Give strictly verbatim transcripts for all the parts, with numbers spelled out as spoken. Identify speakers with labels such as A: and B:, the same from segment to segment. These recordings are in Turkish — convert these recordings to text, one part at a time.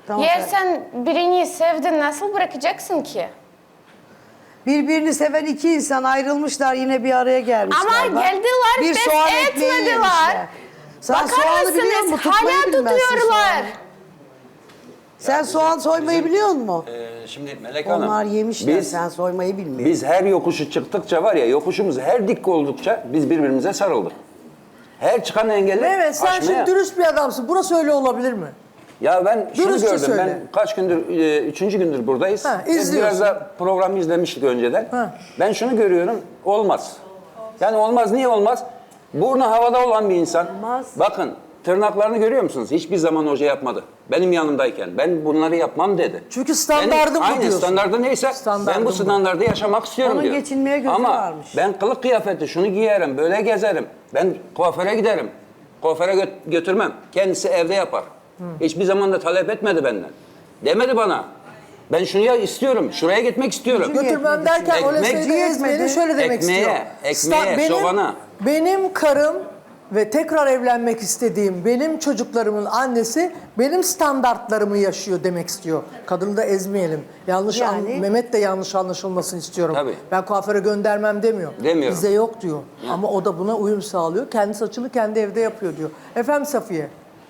A: Tamam,
B: Ya
A: ben-
B: sen birini sevdin, nasıl bırakacaksın ki?
A: Birbirini seven iki insan ayrılmışlar, yine bir araya gelmişler.
B: Ama
A: Bak,
B: geldiler,
A: bir
B: pes
A: soğan ekmeği
B: etmediler.
A: yemişler. Sen
B: Bakar
A: soğanı biliyor
B: mısınız?
A: musun? Tutmayı
B: Hala
A: bilmezsin
B: tutuyorlar.
A: soğanı. Sen soğan soymayı biliyor musun?
C: Ee, şimdi Melek Hanım,
A: Onlar yemişler,
C: biz,
A: sen soymayı bilmiyorsun.
C: biz her yokuşu çıktıkça var ya, yokuşumuz her dik oldukça biz birbirimize sarıldık. Her çıkan engeli
D: Mehmet sen
C: aşmaya.
D: şimdi dürüst bir adamsın. Burası öyle olabilir mi?
C: Ya ben şunu
D: Dürüstçe
C: gördüm,
D: söyle.
C: ben kaç gündür, e, üçüncü gündür buradayız.
D: Ha,
C: Biz
D: izliyorsun.
C: Biraz da programı izlemiştik önceden.
D: Ha.
C: Ben şunu görüyorum, olmaz. Yani olmaz, niye olmaz? Burnu havada olan bir insan,
A: Olmaz.
C: bakın tırnaklarını görüyor musunuz? Hiçbir zaman hoca yapmadı. Benim yanımdayken, ben bunları yapmam dedi.
D: Çünkü standardım
C: Benim,
D: bu
C: aynı
D: diyorsun.
C: standardı neyse,
D: Standardım
C: ben bu
D: bu.
C: standarda yaşamak istiyorum
A: Onun
C: diyor.
A: geçinmeye gözü
C: Ama
A: varmış.
C: ben kılık kıyafeti şunu giyerim, böyle gezerim. Ben kuaföre giderim. Kuaföre gö- götürmem. Kendisi evde yapar. Hiçbir zaman da talep etmedi benden. Demedi bana. Ben şunu ya istiyorum, şuraya gitmek istiyorum.
D: Götürmem derken
C: Ekmek
D: öyle şeyde ezmeni
A: yetmedi.
D: şöyle demek
C: Ekmeğe,
D: istiyor.
C: ekmeğe,
D: Sta- benim,
C: sovana.
D: benim karım ve tekrar evlenmek istediğim benim çocuklarımın annesi benim standartlarımı yaşıyor demek istiyor. Kadını da ezmeyelim. Yanlış an-
A: Yani-
D: Mehmet de yanlış anlaşılmasını istiyorum.
C: Tabii.
D: Ben kuaföre göndermem demiyor.
C: Demiyorum.
D: Bize yok diyor. Ama o da buna uyum sağlıyor. Kendi saçını kendi evde yapıyor diyor. Efendim Safiye.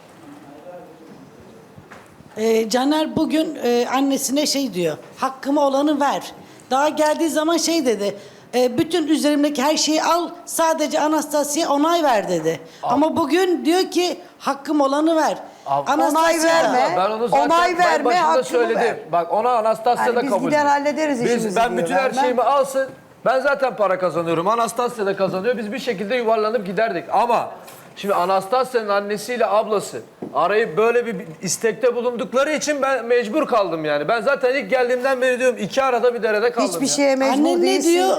E: Ee, Caner bugün e, annesine şey diyor. Hakkımı olanı ver. Daha geldiği zaman şey dedi. e, bütün üzerimdeki her şeyi al. Sadece Anastasya'ya onay ver dedi. Ama bugün diyor ki hakkım olanı ver.
F: Ab-
A: Onay
E: da-
A: verme.
F: Ben onu zaten
A: Onay
F: ben
A: verme,
F: başında
A: hakkını
F: söyledim.
A: ver.
F: Bak ona Anastasya
A: Yani
F: da
A: biz
F: kabul
A: gider
F: ediyor.
A: hallederiz işimizi
F: Biz, ben
A: diyor.
F: bütün her
A: Vermem.
F: şeyimi alsın. Ben zaten para kazanıyorum. Anastasya da kazanıyor. Biz bir şekilde yuvarlanıp giderdik. Ama şimdi Anastasya'nın annesiyle ablası arayıp böyle bir istekte bulundukları için ben mecbur kaldım yani. Ben zaten ilk geldiğimden beri diyorum iki arada bir derede kaldım.
A: Hiçbir
F: ya.
A: şeye mecbur
E: Annen ne
A: değilsin.
E: diyor?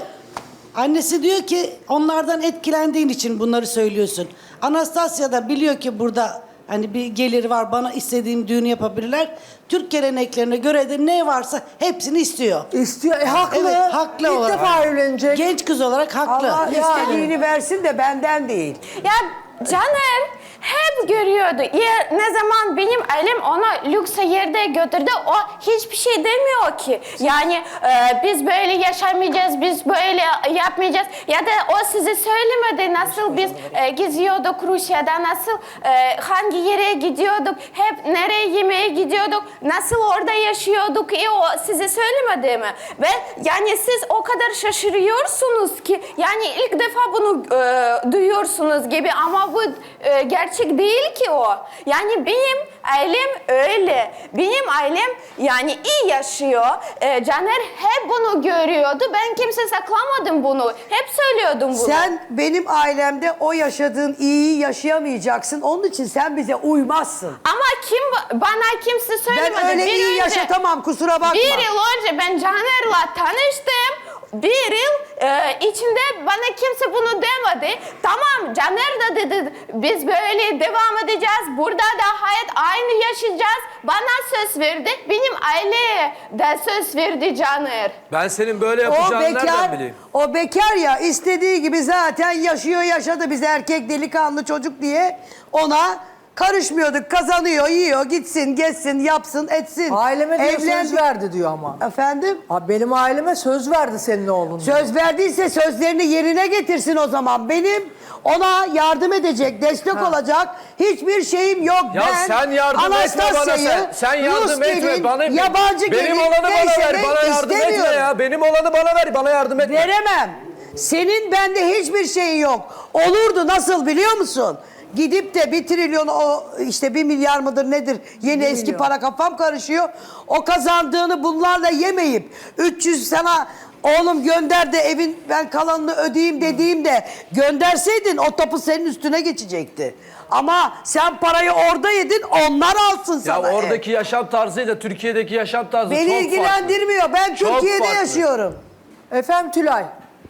E: Annesi diyor ki onlardan etkilendiğin için bunları söylüyorsun. Anastasya da biliyor ki burada hani bir geliri var, bana istediğim düğünü yapabilirler. Türk geleneklerine göre de ne varsa hepsini istiyor.
D: İstiyor. E haklı.
E: Evet, haklı
D: İlk
E: olarak.
D: defa evlenecek.
E: Genç kız olarak haklı.
A: Allah
D: Yani.
A: istediğini versin de benden değil.
B: Ya Caner hep görüyordu. Ya ne zaman benim elim ona lüks yerde götürdü, o hiçbir şey demiyor ki. Yani e, biz böyle yaşamayacağız, biz böyle yapmayacağız. Ya da o size söylemedi nasıl biz e, geziyorduk Rusya'da, nasıl e, hangi yere gidiyorduk, hep nereye yemeğe gidiyorduk, nasıl orada yaşıyorduk. E, o size söylemedi mi? Ve yani siz o kadar şaşırıyorsunuz ki, yani ilk defa bunu e, duyuyorsunuz gibi, ama bu e, gerçek değil ki o. Yani benim ailem öyle. Benim ailem yani iyi yaşıyor. E, Caner hep bunu görüyordu. Ben kimse saklamadım bunu. Hep söylüyordum bunu.
A: Sen benim ailemde o yaşadığın iyiyi yaşayamayacaksın. Onun için sen bize uymazsın.
B: Ama kim bana kimse söylemedi.
A: Ben öyle
B: Bir
A: iyi
B: önce-
A: yaşatamam, kusura bakma.
B: Bir yıl önce ben Caner'la tanıştım. Bir yıl e, içinde bana kimse bunu demedi. Tamam, Caner da dedi biz böyle devam edeceğiz. Burada da hayat aynı yaşayacağız. Bana söz verdi. Benim aileye de söz verdi Caner.
F: Ben senin böyle
A: O
F: yapacağını nereden
A: bekar,
F: bileyim?
A: o bekar ya, istediği gibi zaten yaşıyor yaşadı, biz erkek delikanlı çocuk diye ona karışmıyorduk. Kazanıyor, yiyor, gitsin, gezsin, yapsın, etsin.
D: Aileme diyor söz
A: Evlendik.
D: verdi diyor ama.
A: Efendim?
D: Abi benim aileme söz verdi senin oğlun. diyor.
A: Söz verdiyse sözlerini yerine getirsin o zaman. Benim ona yardım edecek, destek olacak hiçbir şeyim yok.
F: Ya
A: ben
F: sen yardım etme bana
A: Anastasya'yı,
F: sen. Sen yardım
A: Rus
F: etme
A: gelin,
F: bana.
A: yabancı
F: benim
A: gelin
F: olanı bana ver.
A: değiştirmek
F: Bana yardım etme
A: istemiyorum.
F: ya. Benim olanı bana ver. Bana yardım etme.
A: Veremem. Senin bende hiçbir şeyin yok. Olurdu, nasıl biliyor musun? Gidip de bir trilyon, o işte bir milyar mıdır nedir, yeni eski
D: milyon.
A: para, kafam karışıyor. O kazandığını bunlarla yemeyip üç yüz sana oğlum gönder de evin ben kalanını ödeyeyim dediğimde gönderseydin o tapu senin üstüne geçecekti. Ama sen parayı orada yedin, onlar alsın
F: Ya
A: sana. ev.
F: oradaki yaşam tarzıyla Türkiye'deki yaşam tarzı
A: Beni
F: çok
A: ilgilendirmiyor. Ben
F: Çok
A: Türkiye'de
F: farklı.
A: yaşıyorum.
D: Efendim Tülay.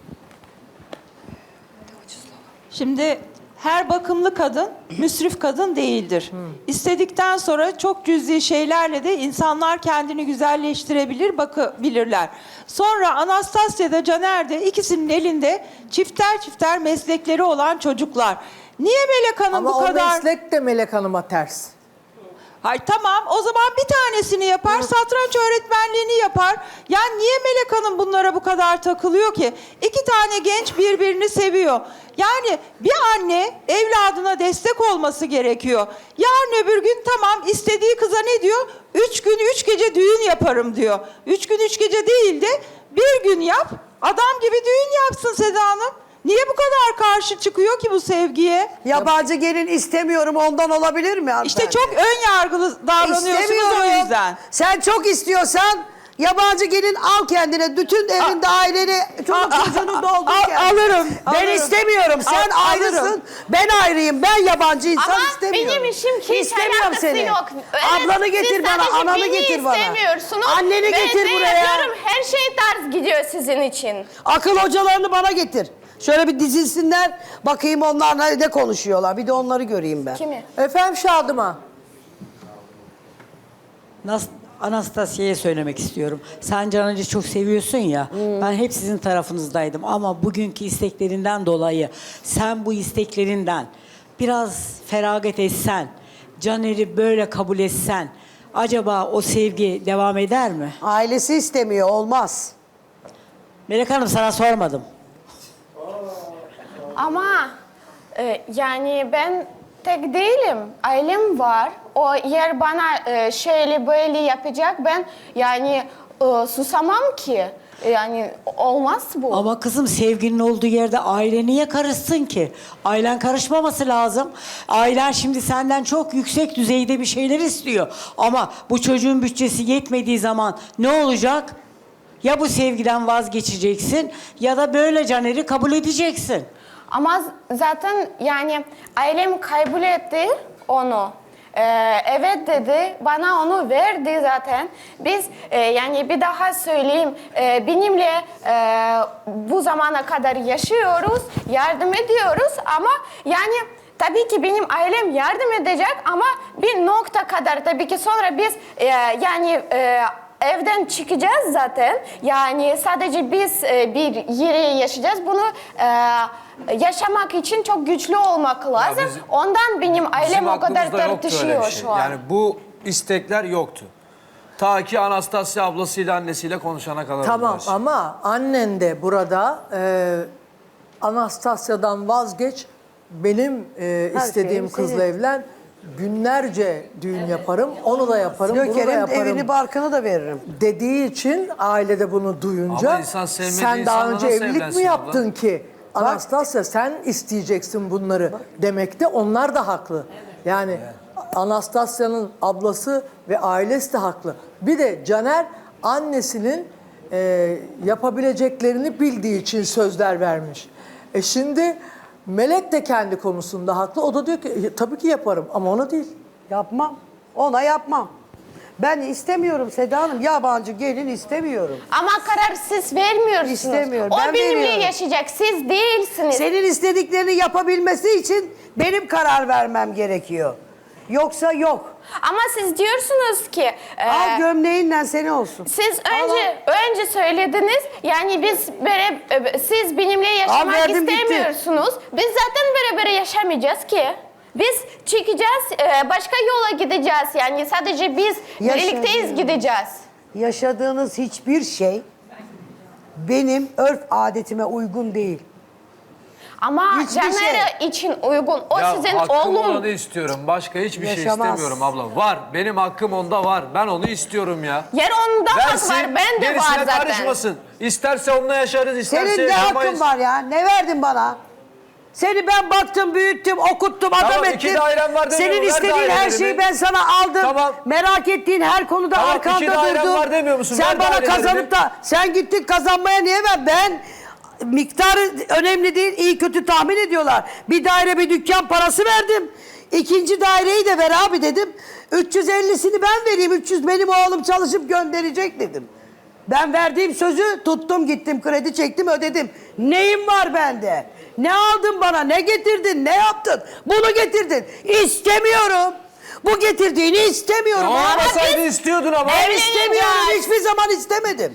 G: Şimdi her bakımlı kadın müsrif kadın değildir. İstedikten sonra çok cüzi şeylerle de insanlar kendini güzelleştirebilir, bakabilirler. Sonra Anastasya da Caner de ikisinin elinde çifter çifter meslekleri olan çocuklar. Niye Melek Hanım
D: Ama
G: bu
D: o
G: kadar...
D: meslek de Melek Hanım'a ters.
G: Hay tamam, o zaman bir tanesini yapar, satranç öğretmenliğini yapar. Ya niye Melek Hanım bunlara bu kadar takılıyor ki? İki tane genç birbirini seviyor. Yani bir anne evladına destek olması gerekiyor. Yarın öbür gün tamam, istediği kıza ne diyor? Üç gün üç gece düğün yaparım diyor. Üç gün üç gece değil de bir gün yap, adam gibi düğün yapsın Seda Hanım. Niye bu kadar karşı çıkıyor ki bu sevgiye?
A: Yabancı gelin istemiyorum, ondan olabilir mi hanımefendi?
G: İşte çok ön yargılı davranıyorsunuz
A: İstemiyorum.
G: o yüzden.
A: Sen çok istiyorsan yabancı gelin al kendine. Bütün evinde aileni, çoluk
G: a-
A: çocuğunu
G: a-
A: doldur
G: al-
A: kendine.
G: alırım,
A: Ben
G: alırım.
A: istemiyorum. Sen
G: Al-
A: ayrısın.
G: alırım.
A: Ben ayrıyım. Ben yabancı insan
B: Ama
A: istemiyorum.
B: benim işim hiç
A: İstemiyorum
B: alakası
A: seni.
B: yok. Evet,
A: Ablanı getir
B: siz
A: bana,
B: sadece
A: ananı
B: beni
A: getir bana.
B: istemiyorsunuz.
A: Anneni
B: Ben
A: getir
B: ne
A: buraya.
B: yapıyorum? Her şey ters gidiyor sizin için.
A: Akıl hocalarını bana getir. Şöyle bir dizilsinler. Bakayım onlar ne ne konuşuyorlar. Bir de onları göreyim ben.
B: Kimi?
D: Efendim Şadıman.
H: Nas- Anastasya'ya söylemek istiyorum. Sen Caner'i çok seviyorsun ya. Ben hep sizin tarafınızdaydım ama bugünkü isteklerinden dolayı sen bu isteklerinden biraz feragat etsen, Caner'i böyle kabul etsen, acaba o sevgi devam eder mi?
A: Ailesi istemiyor. Olmaz.
H: Melek Hanım, sana sormadım.
B: Ama e, yani ben tek değilim. Ailem var. O yer bana e, şöyle böyle yapacak. Ben yani e, susamam ki. Yani olmaz bu.
H: Ama kızım, sevginin olduğu yerde aile niye karışsın ki? Ailen karışmaması lazım. Ailen şimdi senden çok yüksek düzeyde bir şeyler istiyor. Ama bu çocuğun bütçesi yetmediği zaman ne olacak? Ya bu sevgiden vazgeçeceksin ya da böyle Caner'i kabul edeceksin.
B: Ama z- zaten yani ailem kabul etti onu. Ee, evet dedi, bana onu verdi zaten. Biz e, yani bir daha söyleyeyim, e, benimle e, bu zamana kadar yaşıyoruz, yardım ediyoruz ama yani tabii ki benim ailem yardım edecek ama bir nokta kadar tabii ki sonra biz e, yani e, evden çıkacağız zaten. Yani sadece biz e, bir yere yaşayacağız. Bunu e, yaşamak için çok güçlü olmak lazım.
F: bizim-
B: Ondan benim ailem
F: Bizim
B: o kadar
F: aklımızda yoktu öyle
B: tartışıyor
F: bir şey.
B: şu an.
F: Yani bu istekler yoktu. Ta ki Anastasya ablasıyla annesiyle konuşana kadar.
D: Tamam
F: bunlar.
D: ama annen de burada e, Anastasya'dan vazgeç, benim e, istediğim
A: şeyim
D: kızla
A: senin.
D: evlen, günlerce düğün yaparım, onu da yaparım, bunu da
A: Göker'in
D: yaparım
A: evini barkını da veririm.
D: dediği için ailede bunu duyunca
F: Ama insan sevmediği
D: sen daha
F: insanla
D: önce
F: nasıl
D: evlilik mi
F: evlensin
D: yaptın ki? Anastasya sen isteyeceksin bunları demekte onlar da haklı. Yani Anastasya'nın ablası ve ailesi de haklı. Bir de Caner annesinin e, yapabileceklerini bildiği için sözler vermiş. E şimdi Melek de kendi konusunda haklı. O da diyor ki "E, tabii ki yaparım ama ona değil.
A: Yapmam. Ona yapmam. Ben istemiyorum Seda Hanım. Yabancı gelin istemiyorum.
B: Ama karar siz vermiyorsunuz.
A: İstemiyorum,
B: O
A: ben
B: benimle
A: veriyorum.
B: yaşayacak, siz değilsiniz.
A: Senin istediklerini yapabilmesi için benim karar vermem gerekiyor. Yoksa yok.
B: Ama siz diyorsunuz ki e,
A: Al gömleğinle seni olsun.
B: siz önce önce söylediniz yani biz bere, e, siz benimle yaşamak
A: verdim, gitti.
B: istemiyorsunuz. Biz zaten beraber yaşamayacağız ki. Biz çıkacağız, e, başka yola gideceğiz. Yani sadece biz birlikteyiz
A: Yaşadığınız-
B: gideceğiz.
A: Yaşadığınız hiçbir şey benim örf adetime uygun değil.
B: Ama
A: Hiçbir
B: Caner için uygun. O
F: Ya
B: sizin
F: hakkım
B: oğlum.
F: olanı istiyorum. Başka hiçbir şey
A: Yaşamaz.
F: istemiyorum abla. Var. Benim hakkım onda var. Ben onu istiyorum ya.
B: Yer onda hak var, ben de
F: gerisine
B: var zaten.
F: karışmasın. İsterse onunla yaşarız, isterse
A: Senin de
F: yaşamayız.
A: hakkın var ya. Ne verdin bana? Seni ben baktım, büyüttüm, okuttum, adam
F: Tamam,
A: ettim.
F: iki dairen var demiyor
A: Senin
F: mu? Ver
A: istediğin her
F: dairelerimi.
A: şeyi ben sana aldım.
F: Tamam.
A: Merak ettiğin her konuda
F: Tamam,
A: arkanda
F: iki dairen
A: durdum.
F: var demiyor musun?
A: Sen
F: Ver
A: bana
F: dairelerimi.
A: kazanıp da sen gittin kazanmaya niye ver? Ben miktarı önemli değil, iyi kötü tahmin ediyorlar. Bir daire bir dükkan parası verdim. İkinci daireyi de ver abi dedim. üç yüz ellisini ben vereyim. üç yüz benim oğlum çalışıp gönderecek dedim. Ben verdiğim sözü tuttum, gittim, kredi çektim, ödedim. Neyim var bende? Ne aldın bana? Ne getirdin? Ne yaptın? Bunu getirdin. İstemiyorum. Bu getirdiğini istemiyorum.
F: Ya
A: Ama
F: olmasaydı
A: biz-
F: istiyordun ama.
A: Ben istemiyorum. Hiçbir zaman istemedim.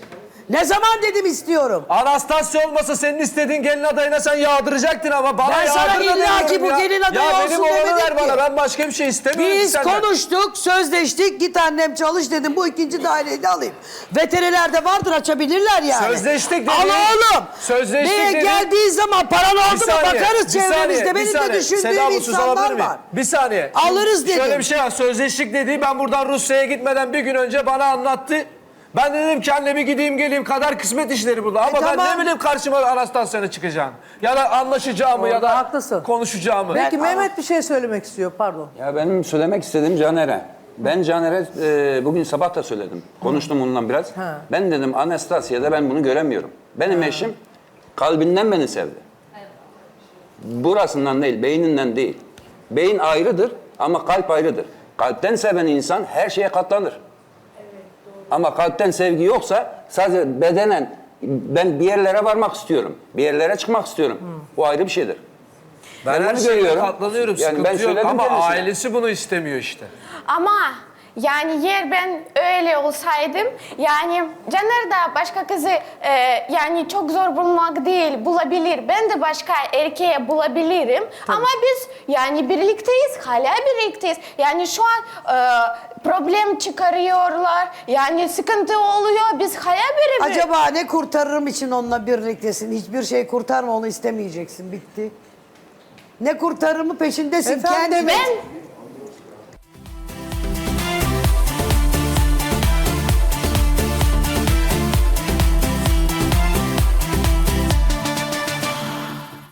A: Ne zaman dedim istiyorum?
F: Anastasya olmasa senin istediğin gelin adayına sen yağdıracaktın ama bana
A: Ben sana
F: yağdırma
A: illa ki
F: demiyorum
A: bu
F: ya.
A: gelin adayı
F: Ya
A: olsun
F: benim olanı
A: demedim
F: ver
A: ki.
F: bana, ben başka bir şey istemiyorum ki
A: Biz
F: senden.
A: konuştuk, sözleştik. Git annem çalış dedim. Bu ikinci daireyi de alayım. Veterinerlerde vardır, açabilirler yani.
F: Sözleştik
A: Al
F: dedin.
A: oğlum.
F: Sözleştik
A: Neye
F: dedin.
A: geldiği zaman paran oldu mu
F: saniye,
A: bakarız
F: bir
A: çevremizde.
F: saniye, bir
A: Benim de
F: saniye.
A: düşündüğüm
F: Seda, bu söz alabilir
A: insanlar
F: miyim?
A: var.
F: Bir saniye.
A: Alırız
F: Şöyle
A: dedim.
F: bir şey var. Sözleştik dediği ben buradan Rusya'ya gitmeden bir gün önce bana anlattı. Ben de dedim ki anne bir gideyim geleyim, kadar kısmet işleri burada. Ama
A: E,
F: ben
A: tamam.
F: ne bileyim karşıma Anastasya'nın çıkacağını. Ya da anlaşacağımı ya da
D: haklısın.
F: konuşacağımı.
D: Peki Mehmet bir şey söylemek istiyor, pardon.
C: Ya benim söylemek istediğim Caner'e. Ben Caner'e e, bugün sabah da söyledim. Konuştum onunla biraz.
D: Ha.
C: Ben dedim Anastasya'da ben bunu göremiyorum. Benim eşim kalbinden beni sevdi. Burasından değil, beyninden değil. Beyin ayrıdır ama kalp ayrıdır. Kalpten seven insan her şeye katlanır. Ama kalpten sevgi yoksa sadece bedenen ben bir yerlere varmak istiyorum. Bir yerlere çıkmak istiyorum. Bu ayrı bir şeydir.
F: Ben,
C: Ben
F: her
C: bunu
F: şeye
C: görüyorum.
F: katlanıyorum,
C: Yani
F: sıkıntı
C: ben
F: yok
C: söyledim
F: ama
C: kendisine.
F: ailesi bunu istemiyor işte.
B: Ama yani yer ben öyle olsaydım yani Caner da başka kızı e, yani çok zor bulmak değil bulabilir. Ben de başka erkeğe bulabilirim. Ama biz yani birlikteyiz, hala birlikteyiz. Yani şu an e, problem çıkarıyorlar. Yani sıkıntı oluyor. Biz hala bir
A: Acaba ne kurtarırım için onunla birliktesin? Hiçbir şey kurtarma, onu istemeyeceksin. Bitti. Ne kurtarırımı peşindesin.
D: Efendim,
A: Kendini,
B: ben-